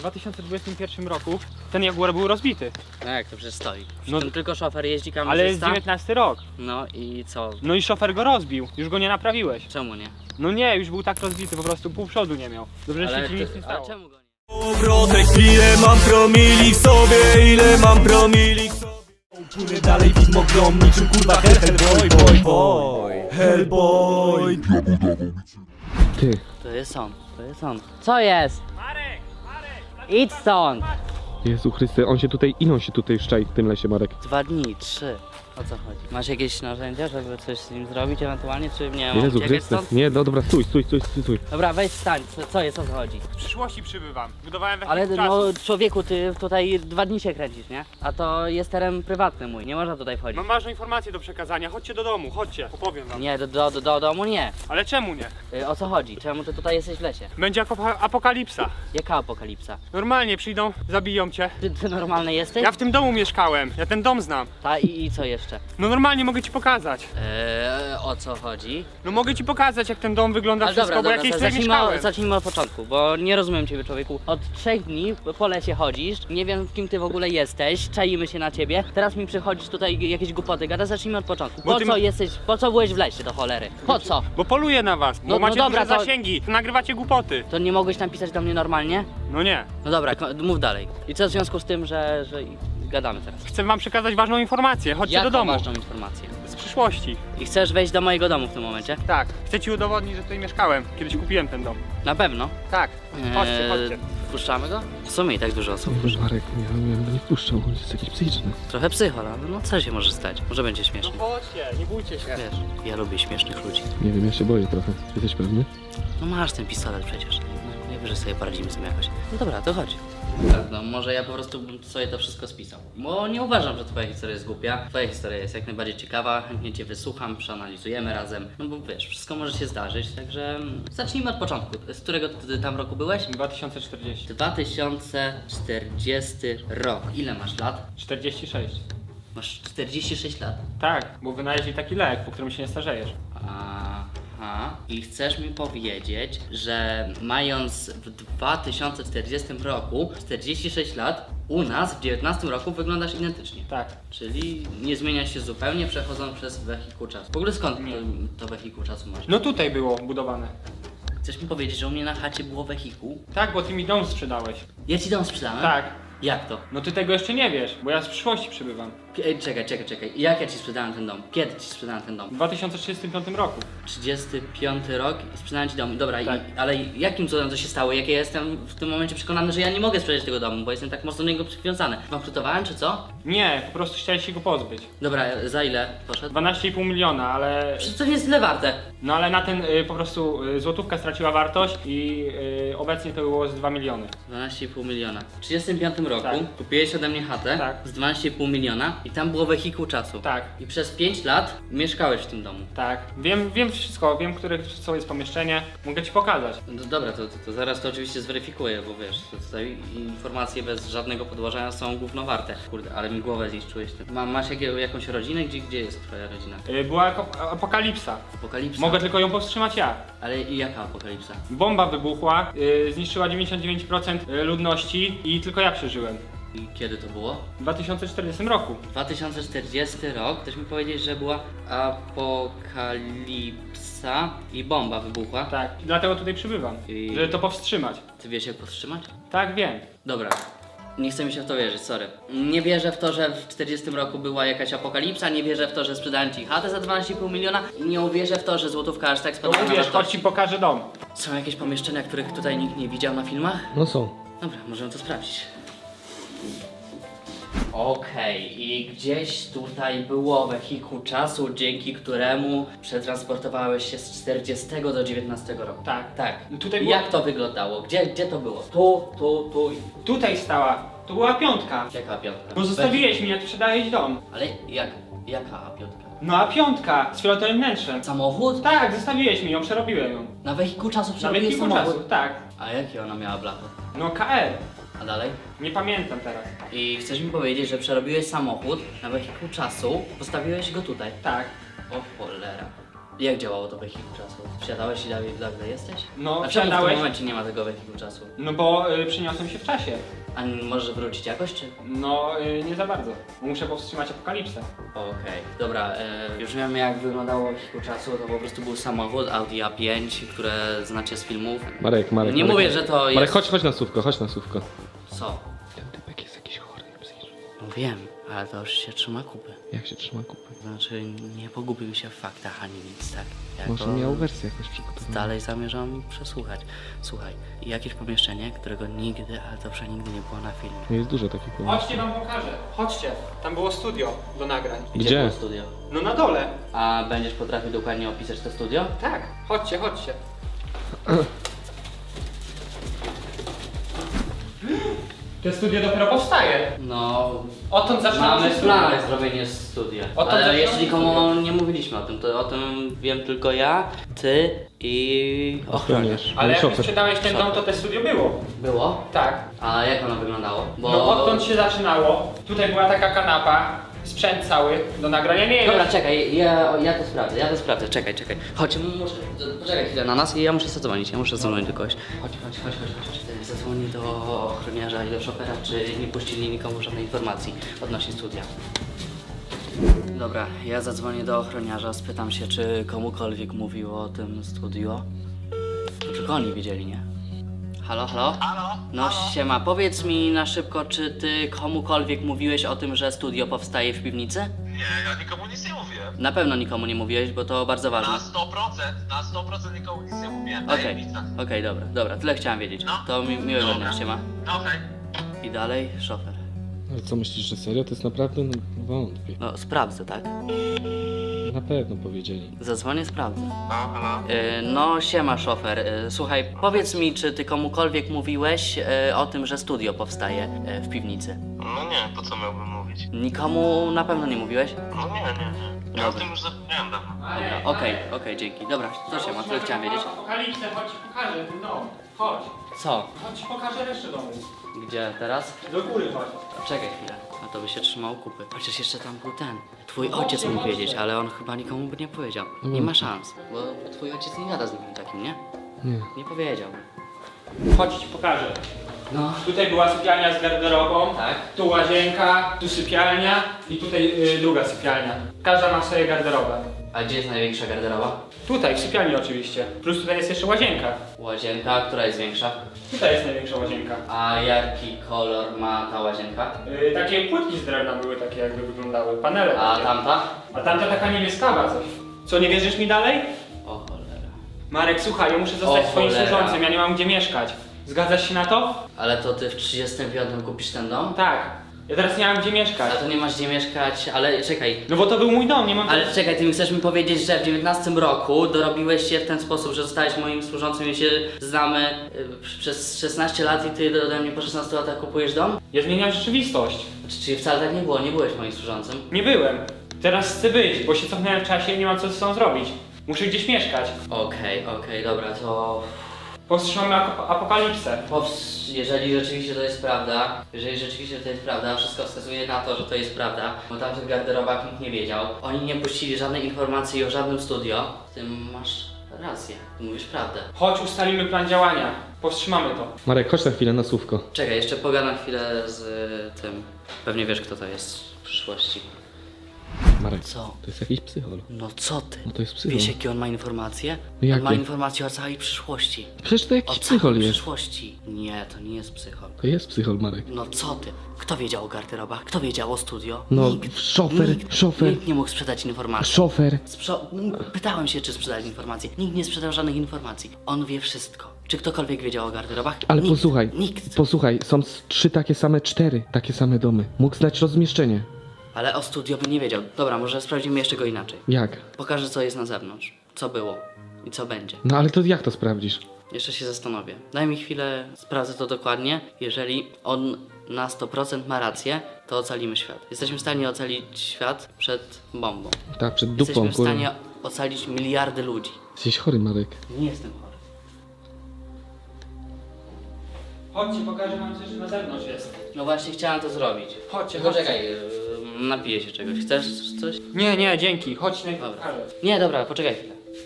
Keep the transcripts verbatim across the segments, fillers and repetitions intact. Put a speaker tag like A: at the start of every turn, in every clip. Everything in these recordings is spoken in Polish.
A: dwa tysiące dwudziestym pierwszym roku ten Jaguar był rozbity.
B: No jak to przecież stoi?
A: No,
B: No tylko szofer jeździ, kamerzysta.
A: ale jest dziewiętnasty rok.
B: No i co?
A: No i szofer go rozbił, już go nie naprawiłeś.
B: Czemu nie?
A: No nie, już był tak rozbity, po prostu pół przodu nie miał. Dobrze, że
B: Ale,
A: się ci nic
B: ty,
A: nie
B: ale
A: stało.
B: czemu go nie?
C: Powrotek, ile mam promili w sobie, ile mam promili w sobie. Płynę dalej widmo grom, niczym kurwa hell, hellboy, boy, boy, hellboy.
D: Ty,
B: To jest on, to jest on. Co jest?
A: Marek, Marek!
B: Idź stąd!
D: Jezu Chryste, on się tutaj, ile on się tutaj szczai w tym lesie, Marek?
B: Dwa dni, trzy. O co chodzi? Masz jakieś narzędzia, żeby coś z nim zrobić ewentualnie, czy nie? Mam
D: Jezu
B: uciekać
D: Chryste,
B: stąd?
D: nie, no dobra, stój, stój, stój, stój, stój.
B: Dobra, weź stań, co, co jest, o co chodzi?
A: W przyszłości przybywam, budowałem we
B: Ale
A: chwili
B: no
A: czasu.
B: człowieku, ty tutaj dwa dni się kręcisz, nie? A to jest teren prywatny mój, nie można tutaj wchodzić.
A: Mam ważną informację do przekazania, chodźcie do domu, chodźcie, opowiem wam.
B: Nie, do, do, do, do domu nie.
A: Ale czemu nie?
B: Y, O co chodzi? Czemu ty tutaj jesteś w lesie?
A: Będzie apo- apokalipsa.
B: Jaka apokalipsa?
A: Normalnie przyjdą, zabiją cię.
B: Ty, ty normalny jesteś?
A: Ja w tym domu mieszkałem, ja ten dom znam.
B: Ta i, i co jeszcze?
A: No normalnie mogę ci pokazać.
B: Eee, o co chodzi?
A: No mogę ci pokazać, jak ten dom wygląda,
B: Ale
A: wszystko,
B: dobra,
A: bo
B: dobra,
A: jakieś
B: za-
A: tutaj
B: zacznijmy,
A: mieszkałem.
B: od, zacznijmy od początku, bo nie rozumiem ciebie, człowieku. Od trzech dni po lesie chodzisz, nie wiem kim ty w ogóle jesteś, czaimy się na ciebie, teraz mi przychodzisz tutaj jakieś głupoty gada, zacznijmy od początku.
A: Bo
B: Po
A: ty
B: co
A: ma-
B: jesteś, po co byłeś w lesie do cholery? Po co?
A: Bo poluję na was, bo
B: No- no
A: macie
B: dobra,
A: duże
B: to-
A: zasięgi, nagrywacie głupoty.
B: To nie mogłeś napisać do mnie normalnie?
A: No nie.
B: No dobra, ko- mów dalej. I co w związku z tym, że, że gadamy teraz?
A: Chcę wam przekazać ważną informację, chodźcie
B: Jaką
A: do domu.
B: ważną informację?
A: Z przyszłości.
B: I chcesz wejść do mojego domu w tym momencie?
A: Tak, chcę ci udowodnić, że tutaj mieszkałem. Kiedyś kupiłem ten dom.
B: Na pewno.
A: Tak, chodźcie,
B: Eee,
A: chodźcie.
B: Wpuszczamy go? W sumie i tak dużo osób wpuszcza.
D: Marek, ja bym nie wpuszczał, on jest jakiś psychiczny.
B: Trochę psychol, ale no co się może stać? Może będzie
A: No
B: śmieszny.
A: chodźcie, nie bójcie się.
B: Wiesz, ja lubię śmiesznych ludzi.
D: Nie wiem, ja się boję trochę. Jesteś pewny?
B: No masz ten pistolet przecież. No, najwyżej sobie poradzimy z tym jakoś. No dobra, to chodź. No może ja po prostu bym sobie to wszystko spisał. Bo nie uważam, że twoja historia jest głupia. Twoja historia jest jak najbardziej ciekawa, chętnie cię wysłucham, przeanalizujemy razem. No bo wiesz, wszystko może się zdarzyć, także zacznijmy od początku. Z którego ty tam roku byłeś?
A: dwa tysiące czterdzieści.
B: dwa tysiące czterdziesty rok. Ile masz lat?
A: czterdzieści sześć.
B: Masz czterdzieści sześć lat.
A: Tak, bo wynaleźli taki lek, po którym się nie starzejesz.
B: Aha. I chcesz mi powiedzieć, że mając w dwa tysiące czterdziestym roku czterdzieści sześć lat, u nas w dziewiętnastym roku wyglądasz identycznie.
A: Tak.
B: Czyli nie zmienia się zupełnie, przechodząc przez wehikuł czasu. W ogóle skąd
A: Nie.
B: to, to wehikuł czasu masz?
A: No tutaj było budowane.
B: Chcesz mi powiedzieć, że u mnie na chacie było wehikuł?
A: Tak, bo ty mi dom sprzedałeś.
B: Ja ci dom sprzedałem?
A: Tak.
B: Jak to?
A: No ty tego jeszcze nie wiesz, bo ja z przyszłości przybywam.
B: Ej, czekaj, czekaj, czekaj. Jak ja ci sprzedałem ten dom? Kiedy ci sprzedałem ten dom?
A: W dwa tysiące trzydziestym piątym roku.
B: trzydziesty piąty rok i sprzedałem ci dom. Dobra,
A: Tak.
B: i, ale jakim cudem to się stało? Jak ja jestem w tym momencie przekonany, że ja nie mogę sprzedać tego domu, bo jestem tak mocno do niego przywiązany. Bankrutowałem czy co?
A: Nie, po prostu chciałeś się go pozbyć.
B: Dobra, za ile poszedł?
A: dwanaście i pół miliona, ale...
B: Przecież to nie jest tyle warte.
A: No ale na ten y, po prostu y, złotówka straciła wartość i y, obecnie to było z dwa miliony.
B: dwanaście i pół miliona. W trzydziestym piątym roku
A: Tak.
B: kupiłeś ode mnie chatę
A: Tak.
B: z dwanaście i pół miliona i tam było wehikuł czasu.
A: Tak.
B: I przez pięć lat mieszkałeś w tym domu.
A: Tak, wiem, wiem wszystko, wiem, które co jest pomieszczenie, mogę ci pokazać.
B: No dobra, to, to, to zaraz to oczywiście zweryfikuję, bo wiesz, to tutaj informacje bez żadnego podłożenia są gówno warte. Kurde, ale mi głowę zniszczyłeś ty. Ma, masz jakie, jakąś rodzinę? Gdzie, gdzie jest twoja rodzina?
A: Y, była ako- apokalipsa.
B: Apokalipsa?
A: Mogę tylko ją powstrzymać ja.
B: Ale i jaka apokalipsa?
A: Bomba wybuchła, y, zniszczyła dziewięćdziesiąt dziewięć procent ludności i tylko ja przeżyłem.
B: I kiedy to było?
A: W dwa tysiące czterdziestym roku.
B: dwa tysiące czterdziesty rok, chcesz mi powiedzieć, że była apokalipsa i bomba wybuchła?
A: Tak, i dlatego tutaj przybywam,
B: I-
A: żeby to powstrzymać.
B: Ty wiesz jak powstrzymać?
A: Tak, wiem.
B: Dobra. Nie chce mi się w to wierzyć, sorry. Nie wierzę w to, że w czterdziestym roku była jakaś apokalipsa, nie wierzę w to, że sprzedałem ci chatę za dwanaście i pół miliona i nie uwierzę w to, że złotówka aż tak
A: To
B: spadła na
A: uwierz, chodź
B: wartości.
A: ci pokażę dom.
B: Są jakieś pomieszczenia, których tutaj nikt nie widział na filmach?
D: No są.
B: Dobra, możemy to sprawdzić. Okej, i gdzieś tutaj było wehikuł czasu, dzięki któremu przetransportowałeś się z czterdziestego do dziewiętnastego roku.
A: Tak.
B: Tak.
A: Tutaj było-
B: Jak to wyglądało? Gdzie, gdzie to było? Tu, tu, tu i...
A: Tutaj stała, to była piątka.
B: Jaka piątka?
A: Bo zostawiłeś mi, jak sprzedałeś dom.
B: Ale jak? Jaka piątka?
A: No a piątka z fioletowym wnętrzem.
B: Samochód?
A: Tak, zostawiłeś mi ją, przerobiłem ją.
B: Na wehikuł czasu
A: Na
B: przerobiłeś
A: wielkiego
B: samochód?
A: czasu, tak.
B: A jakie ona miała blachy?
A: No K R.
B: A dalej?
A: Nie pamiętam teraz.
B: I chcesz mi powiedzieć, że przerobiłeś samochód na wehikuł czasu, postawiłeś go tutaj?
A: Tak.
B: O cholera. Jak działało to wehikuł czasu? Wsiadałeś i dalej nagle jesteś?
A: No,
B: A czemu w tym
A: wsiadałeś?
B: momencie nie ma tego wehikuł czasu?
A: No bo y, przyniosłem się w czasie.
B: A może wrócić jakoś, czy?
A: No, y, nie za bardzo. Muszę powstrzymać apokalipsę.
B: Okej, dobra, e, już wiemy jak wyglądało wehikuł czasu, to po prostu był samochód Audi A pięć, które znacie z filmów.
D: Marek, Marek.
B: Nie
D: Marek.
B: mówię, że to jest...
D: Marek, chodź, chodź na słówko, chodź na słówko.
B: Co?
D: Ten typek jest jakiś chory psychicznie.
B: No wiem, ale to już się trzyma kupy.
D: Jak się trzyma kupy?
B: Znaczy, nie pogubił się w faktach ani nic, tak? Ja
D: Może
B: go
D: miał wersję jakoś przygotowaną.
B: Dalej zamierzam przesłuchać. Słuchaj, jakieś pomieszczenie, którego nigdy, ale to przenigdy nie było na filmie.
D: No jest dużo takich pomysłów.
A: Chodźcie, wam pokażę. Chodźcie. Tam było studio do nagrań.
D: Gdzie?
B: było studio?
A: No na dole.
B: A będziesz potrafił dokładnie opisać to studio?
A: Tak. Chodźcie, chodźcie. To studio dopiero powstaje.
B: No,
A: Odtąd zaczynamy
B: mamy
A: się
B: w planach zrobienie studia.
A: O to
B: Ale
A: zaczynamy
B: jeszcze nikomu
A: studia.
B: nie mówiliśmy o tym, to o tym wiem tylko ja, ty i ochroniarz.
A: Ale jak
D: Szofer.
A: sprzedałeś ten dom, to te studio było.
B: Było?
A: Tak.
B: A jak ono wyglądało? Bo...
A: No odtąd się zaczynało. Tutaj była taka kanapa, sprzęt cały do nagrania. Nie
B: Dobra,
A: wiem.
B: czekaj, ja, ja to sprawdzę, ja to sprawdzę, czekaj, czekaj. Chodź, muszę, poczekaj chwilę na nas i ja muszę zadzwonić, ja muszę zadzwonić do kogoś. Chodź, chodź, chodź, chodź, chodź. Zadzwonię do ochroniarza i do szofera, czy nie puścili nikomu żadnej informacji odnośnie studia. Dobra, ja zadzwonię do ochroniarza, spytam się, czy komukolwiek mówił o tym studio. Tylko oni wiedzieli, nie? Halo, halo?
E: Halo?
B: No siema, powiedz mi na szybko, czy ty komukolwiek mówiłeś o tym, że studio powstaje w piwnicy?
E: Nie, ja nikomu nic nie mówiłem.
B: Na pewno nikomu nie mówiłeś, bo to bardzo ważne.
E: Na sto procent, na sto procent nikomu nic nie mówiłem.
B: Okej,
E: Tajemnica.
B: okej, dobra, dobra, tyle chciałem wiedzieć.
E: No.
B: To mi, miłego dnia,
E: Dobra.
B: siema.
E: No hej.
B: I dalej, szofer.
D: Ale co myślisz, że serio? To jest naprawdę no, wątpię.
B: No, sprawdzę, tak?
D: Na pewno powiedzieli.
B: Zadzwonię, sprawdzę.
E: No, halo?
B: Yy, no, siema, szofer. Yy, słuchaj, powiedz mi, czy ty komukolwiek mówiłeś yy, o tym, że studio powstaje yy, w piwnicy?
E: No nie, po co miałbym mówić?
B: Nikomu na pewno nie mówiłeś?
E: No nie, nie, nie. Ja o
B: Dobra.
E: tym już zapomniałem dawno.
B: Dobra, okej, okej, dzięki. Dobra, to siema, tyle chciałem wiedzieć.
A: Apokalipsę, chodź ci pokażę ten dom. Chodź.
B: Co?
A: Chodź ci pokażę resztę domu.
B: Gdzie teraz?
A: Do góry chodź.
B: Czekaj chwilę, no to by się trzymał kupy. Chociaż jeszcze tam był ten. Twój ojciec mógł wiedzieć, ale on chyba nikomu by nie powiedział. Nie ma szans, bo twój ojciec nie gada z nikim takim, nie?
D: Nie.
B: Nie powiedział.
A: Chodź ci pokażę.
B: No.
A: Tutaj była sypialnia z garderobą.
B: Tak.
A: Tu łazienka, tu sypialnia i tutaj y, druga sypialnia. Każda ma swoje garderobę.
B: A gdzie jest największa garderoba?
A: Tutaj, w sypialni oczywiście. Plus tutaj jest jeszcze łazienka.
B: Łazienka, która jest większa?
A: Tutaj jest największa łazienka.
B: A jaki kolor ma ta łazienka?
A: Y, takie płytki z drewna były takie jakby wyglądały, panele
B: A
A: takie.
B: tamta?
A: A tamta taka niebieskawa coś. Co, nie wierzysz mi dalej?
B: O cholera.
A: Marek, słuchaj, ja muszę zostać
B: O
A: twoim
B: cholera.
A: służącym, ja nie mam gdzie mieszkać. Zgadzasz się na to?
B: Ale to ty w trzydziestym piątym kupisz ten dom?
A: Tak. Ja teraz nie mam gdzie mieszkać.
B: A to nie masz gdzie mieszkać, ale czekaj.
A: No bo to był mój dom, nie mam...
B: Ale czekaj, ty mi chcesz mi powiedzieć, że w dziewiętnastym roku dorobiłeś się w ten sposób, że zostałeś moim służącym i się znamy y, przez szesnaście lat i ty ode mnie po szesnastu latach kupujesz dom?
A: Ja zmieniam rzeczywistość.
B: Czy, czyli wcale tak nie było, nie byłeś moim służącym?
A: Nie byłem. Teraz chcę być, bo się cofnąłem w czasie i nie mam co ze sobą zrobić. Muszę gdzieś mieszkać.
B: Okej, okej, dobra, to...
A: Powstrzymamy ap- apokalipsę.
B: Powst- jeżeli rzeczywiście to jest prawda, jeżeli rzeczywiście to jest prawda, wszystko wskazuje na to, że to jest prawda, bo tam w tych garderobach nikt nie wiedział. Oni nie puścili żadnej informacji o żadnym studio. W tym masz rację, ty mówisz prawdę.
A: Chodź, ustalimy plan działania. Powstrzymamy to.
D: Marek, chodź na chwilę na słówko.
B: Czekaj, jeszcze pogadam chwilę z y, tym. Pewnie wiesz, kto to jest w przyszłości.
D: Marek,
B: Co?
D: to jest jakiś psychol.
B: No co ty?
D: No to jest psychol.
B: Wiesz, jakie on ma informacje?
D: No jakie?
B: On ma informacje o całej przyszłości.
D: Przecież to
B: O
D: jakiś
B: całej
D: psychol jest.
B: przyszłości. Nie, to nie jest psychol.
D: To jest psychol, Marek.
B: No co ty? Kto wiedział o garderobach? Kto wiedział o studio?
D: No,
B: Nikt.
D: szofer,
B: Nikt.
D: szofer.
B: Nikt nie mógł sprzedać informacji.
D: Szofer.
B: Sprzo- Pytałem się, czy sprzedać informacje. Nikt nie sprzedał żadnych informacji. On wie wszystko. Czy ktokolwiek wiedział o garderobach?
D: Ale
B: Nikt.
D: posłuchaj,
B: Nikt.
D: posłuchaj, są s- trzy takie same, cztery takie same domy. Mógł znać rozmieszczenie.
B: Ale o studio by nie wiedział. Dobra, może sprawdzimy jeszcze go inaczej.
D: Jak?
B: Pokażę, co jest na zewnątrz. Co było. I co będzie.
D: No ale to jak to sprawdzisz?
B: Jeszcze się zastanowię. Daj mi chwilę, sprawdzę to dokładnie. Jeżeli on na sto procent ma rację, to ocalimy świat. Jesteśmy w stanie ocalić świat przed bombą.
D: Tak, przed
B: Jesteśmy
D: dupą,
B: w
D: kurwa.
B: stanie ocalić miliardy ludzi.
D: Jesteś chory, Marek.
B: Nie jestem chory.
A: Chodźcie, pokażę wam coś, że na zewnątrz jest.
B: No właśnie chciałem to zrobić.
A: Chodźcie,
B: Tylko
A: chodźcie.
B: czekaj, yy, napiję się czegoś. Chcesz coś?
A: Nie, nie, dzięki. Chodź, na
B: Dobra.
A: pokażę.
B: Nie, dobra, poczekaj chwilę.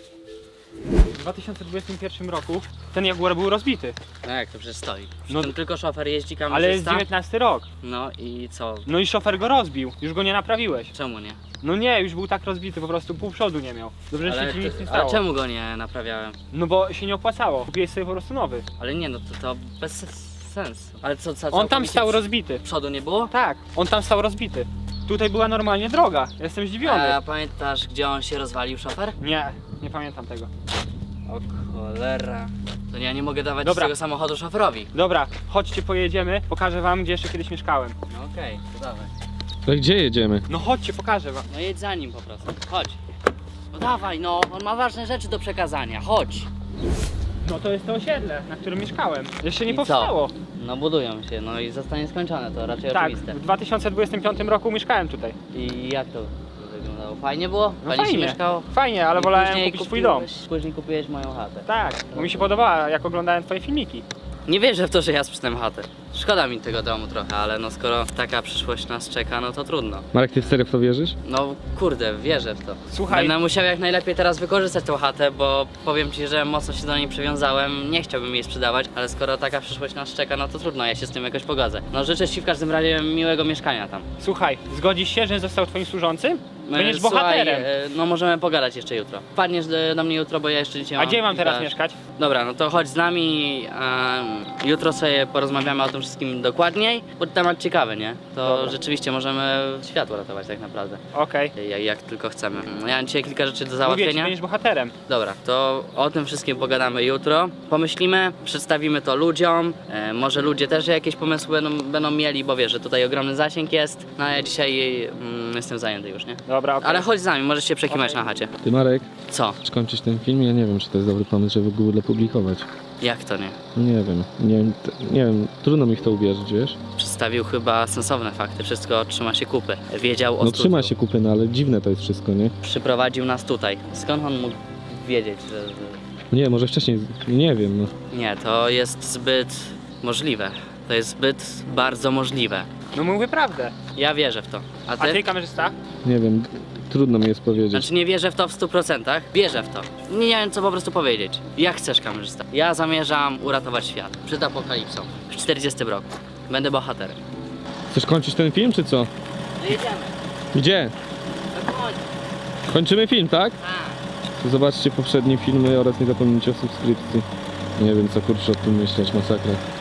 A: dwa tysiące dwudziestym pierwszym roku ten Jaguar był rozbity.
B: No jak to przecież stoi?
A: No-
B: No, ten tylko szofer jeździ kamerzysta.
A: Ale jest dziewiętnasty rok.
B: No i co?
A: No i szofer go rozbił. Już go nie naprawiłeś.
B: Czemu nie?
A: No nie, już był tak rozbity, po prostu pół przodu nie miał. Dobrze, że
B: Ale,
A: się ci nic
B: ty-
A: nie
B: ale
A: stało.
B: czemu go nie naprawiałem?
A: No bo się nie opłacało. Kupiłeś sobie po prostu nowy.
B: Ale nie, no to, to bez sensu. Ale co, co
A: On tam
B: całkowicie
A: stał
B: przy-
A: rozbity.
B: Przodu nie było?
A: Tak, on tam stał rozbity. Tutaj była normalnie droga. Jestem zdziwiony.
B: A pamiętasz, gdzie on się rozwalił, szofer?
A: Nie, nie pamiętam tego.
B: O cholera. To ja nie mogę dawać
A: Dobra.
B: tego samochodu szoferowi.
A: Dobra, chodźcie, pojedziemy. Pokażę wam, gdzie jeszcze kiedyś mieszkałem.
B: No okej, to dawaj.
D: Ale gdzie jedziemy?
A: No chodźcie, pokażę wam.
B: No jedź za nim po prostu. Chodź. No dawaj, no, on ma ważne rzeczy do przekazania. Chodź.
A: No to jest to osiedle, na którym mieszkałem. Jeszcze nie
B: I
A: powstało.
B: Co? No budują się, no i zostanie skończone, to raczej
A: Tak,
B: oczywiste.
A: w dwa tysiące dwudziestym piątym roku mieszkałem tutaj.
B: I jak to wyglądało? Fajnie było?
A: No
B: Fajnie się
A: fajnie.
B: mieszkało?
A: Fajnie, ale
B: I
A: wolałem
B: później
A: kupić swój dom.
B: kupiłeś- Później kupiłeś moją chatę.
A: Tak, bo mi się podobała, jak oglądałem twoje filmiki.
B: Nie wierzę w to, że ja sprzedam chatę. Szkoda mi tego domu trochę, ale no skoro taka przyszłość nas czeka, no to trudno.
D: Marek, ty serio w to wierzysz?
B: No kurde, wierzę w to.
A: Słuchaj.
B: Będę musiał jak najlepiej teraz wykorzystać tą chatę, bo powiem ci, że mocno się do niej przywiązałem. Nie chciałbym jej sprzedawać, ale skoro taka przyszłość nas czeka, no to trudno, ja się z tym jakoś pogodzę. No życzę ci w każdym razie miłego mieszkania tam.
A: Słuchaj, zgodzisz się, że został twoim służącym? Będziesz
B: E, słuchaj,
A: bohaterem.
B: e, No możemy pogadać jeszcze jutro. Wpadniesz do, do mnie jutro, bo ja jeszcze dzisiaj
A: A
B: mam
A: gdzie mam teraz
B: kilka-
A: mieszkać?
B: Dobra, no to chodź z nami. em, jutro sobie porozmawiamy o tym wszystkim dokładniej, bo temat ciekawy, nie? To
A: Dobra.
B: rzeczywiście możemy światło ratować tak naprawdę.
A: Okej.
B: Jak, jak tylko chcemy. No, ja mam dzisiaj kilka rzeczy do
A: Mówię ci,
B: załatwienia.
A: będziesz bohaterem.
B: Dobra, to o tym wszystkim pogadamy jutro. Pomyślimy, przedstawimy to ludziom. E, może ludzie też jakieś pomysły będą, będą mieli, bo wiesz, że tutaj ogromny zasięg jest. No a ja dzisiaj mm, jestem zajęty już, nie?
A: Dobra, okej.
B: Ale chodź z nami, możesz się przekimać
A: Okej.
B: na chacie.
D: Ty, Marek,
B: Co?
D: czy kończyć ten film? Ja nie wiem, czy to jest dobry pomysł, żeby w ogóle publikować.
B: Jak to nie?
D: Nie wiem, nie wiem, t- nie wiem, trudno mi w to uwierzyć, wiesz?
B: Przedstawił chyba sensowne fakty, wszystko trzyma się kupy. Wiedział o
D: No
B: studiu.
D: trzyma się kupy, no ale dziwne to jest wszystko, nie?
B: Przyprowadził nas tutaj. Skąd on mógł wiedzieć, że... że...
D: Nie, może wcześniej, nie wiem, no.
B: Nie, to jest zbyt możliwe. To jest zbyt bardzo możliwe.
A: No mówię prawdę.
B: Ja wierzę w to. A
A: A
B: ty?
A: ty, kamerzysta?
D: Nie wiem, trudno mi jest powiedzieć.
B: Znaczy nie wierzę w to w stu procentach, wierzę w to. Nie wiem co po prostu powiedzieć. Jak chcesz, kamerzysta? Ja zamierzam uratować świat przed apokalipsą w czterdziestym roku. Będę bohaterem.
D: Chcesz kończyć ten film, czy co?
B: No jedziemy.
D: Gdzie?
B: Na końcu.
D: Kończymy film, tak?
B: Tak.
D: To zobaczcie poprzednie filmy oraz nie zapomnijcie o subskrypcji. Nie wiem co kurczę o tym myśleć, masakra.